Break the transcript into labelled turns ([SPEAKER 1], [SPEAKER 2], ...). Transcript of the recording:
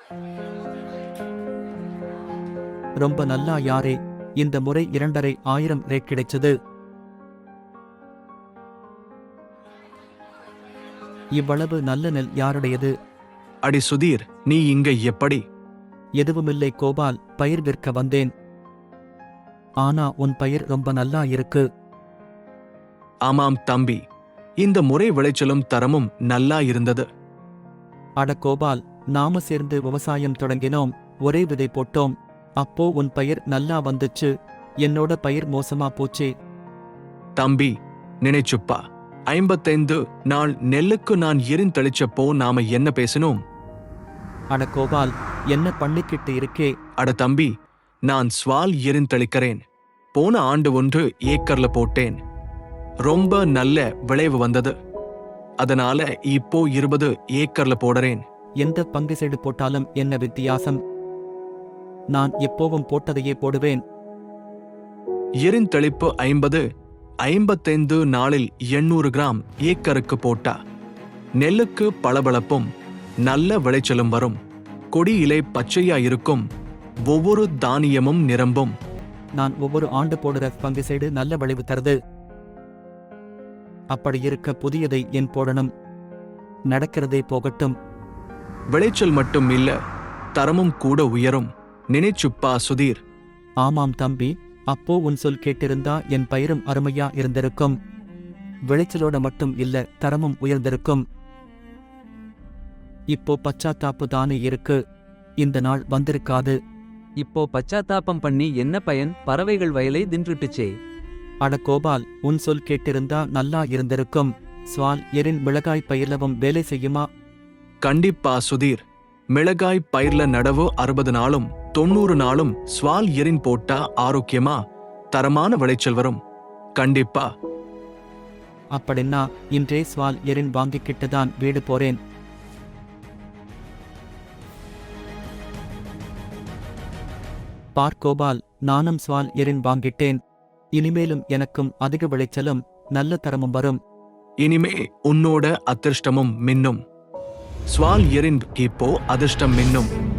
[SPEAKER 1] ரொம்ப நல்லா யாரே, இந்த முறை 2500 ரேட் கிடைச்சது. இவ்வளவு நல்ல நெல் யாருடையது?
[SPEAKER 2] அடி சுதீர், நீ இங்க எப்படி?
[SPEAKER 1] எதுவுமில்லை கோபால், பயிர் விற்க வந்தேன். ஆனா உன் பயிர் ரொம்ப நல்லா இருக்கு.
[SPEAKER 2] ஆமாம் தம்பி, இந்த முறை விளைச்சலும் தரமும் நல்லா இருந்தது.
[SPEAKER 1] அட கோபால், நாம சேர்ந்து விவசாயம் தொடங்கினோம், ஒரே விதை போட்டோம். அப்போ உன் பயிர் நல்லா வந்துச்சு, என்னோட பயிர் மோசமா போச்சே.
[SPEAKER 2] தம்பி, நினைச்சுப்பா, 55 நாள் நெல்லுக்கு நான் எரிந்தளிச்சப்போ நாம என்ன பேசினோம்?
[SPEAKER 1] அட கோபால், என்ன பண்ணிக்கிட்டு இருக்கே?
[SPEAKER 2] அட தம்பி, நான் ஸ்வால் எரிந்தளிக்கிறேன். போன ஆண்டு 1 ஏக்கர்ல போட்டேன். ரொம்ப நல்ல விளைவு வந்தது. அதனால இப்போ 20 ஏக்கர்ல போடுறேன்.
[SPEAKER 1] எந்த பங்கு சைடு போட்டாலும் என்ன வித்தியாசம்? நான் எப்போவும் போட்டதையே போடுவேன்.
[SPEAKER 2] எரிந்தளிப்பு 55 நாளில் 800 கிராம் ஏக்கருக்கு போட்டா நெல்லுக்கு பளபளப்பும் நல்ல விளைச்சலும் வரும். கொடி இலை பச்சையா இருக்கும். ஒவ்வொரு தானியமும் நிரம்பும்.
[SPEAKER 1] நான் ஒவ்வொரு ஆண்டு போடுற பங்கு சைடு நல்ல விளைவு தருது. அப்படி இருக்க புதியதை ஏன் போடணும்? நடக்கிறதே போகட்டும்.
[SPEAKER 2] விளைச்சல் மட்டும் இல்ல, தரமும் கூட உயரும். நினைச்சுப்பா சுதீர்.
[SPEAKER 1] ஆமாம் தம்பி, அப்போ உன் சொல் கேட்டிருந்தா என் பயிரும் அருமையா இருந்திருக்கும். விளைச்சலோட மட்டும் இல்ல, தரமும் உயர்ந்திருக்கும். இப்போ பச்சாத்தாப்பு தானே இருக்கு, இந்த நாள் வந்திருக்காது.
[SPEAKER 3] இப்போ பச்சாத்தாபம் பண்ணி என்ன பயன்? பறவைகள் வயலை தின்றுட்டுச்சே.
[SPEAKER 1] அட கோபால், உன் சொல் கேட்டிருந்தா நல்லா இருந்திருக்கும். ஸ்வால் எரின் மிளகாய் பயிர்லவும் வேலை செய்யுமா?
[SPEAKER 2] கண்டிப்பா சுதீர். மிளகாய் பயிர்ல நடவு 60 நாளும் 90 நாளும் ஸ்வால் எரின் போட்டா ஆரோக்கியமா தரமான விளைச்சல் வரும். கண்டிப்பா.
[SPEAKER 1] அப்படின்னா இன்றே ஸ்வால் எரின் வாங்கிக்கிட்டு தான் வீடு போறேன். பார் கோபால், நானும் ஸ்வால் எரின் வாங்கிட்டேன். இனிமேலும் எனக்கும் அதிக விளைச்சலும் நல்ல தரமும் வரும்.
[SPEAKER 2] இனிமே உன்னோட அதிர்ஷ்டமும் மின்னும். ஸ்வால் எரின் இப்போ அதிர்ஷ்டம் மின்னும்.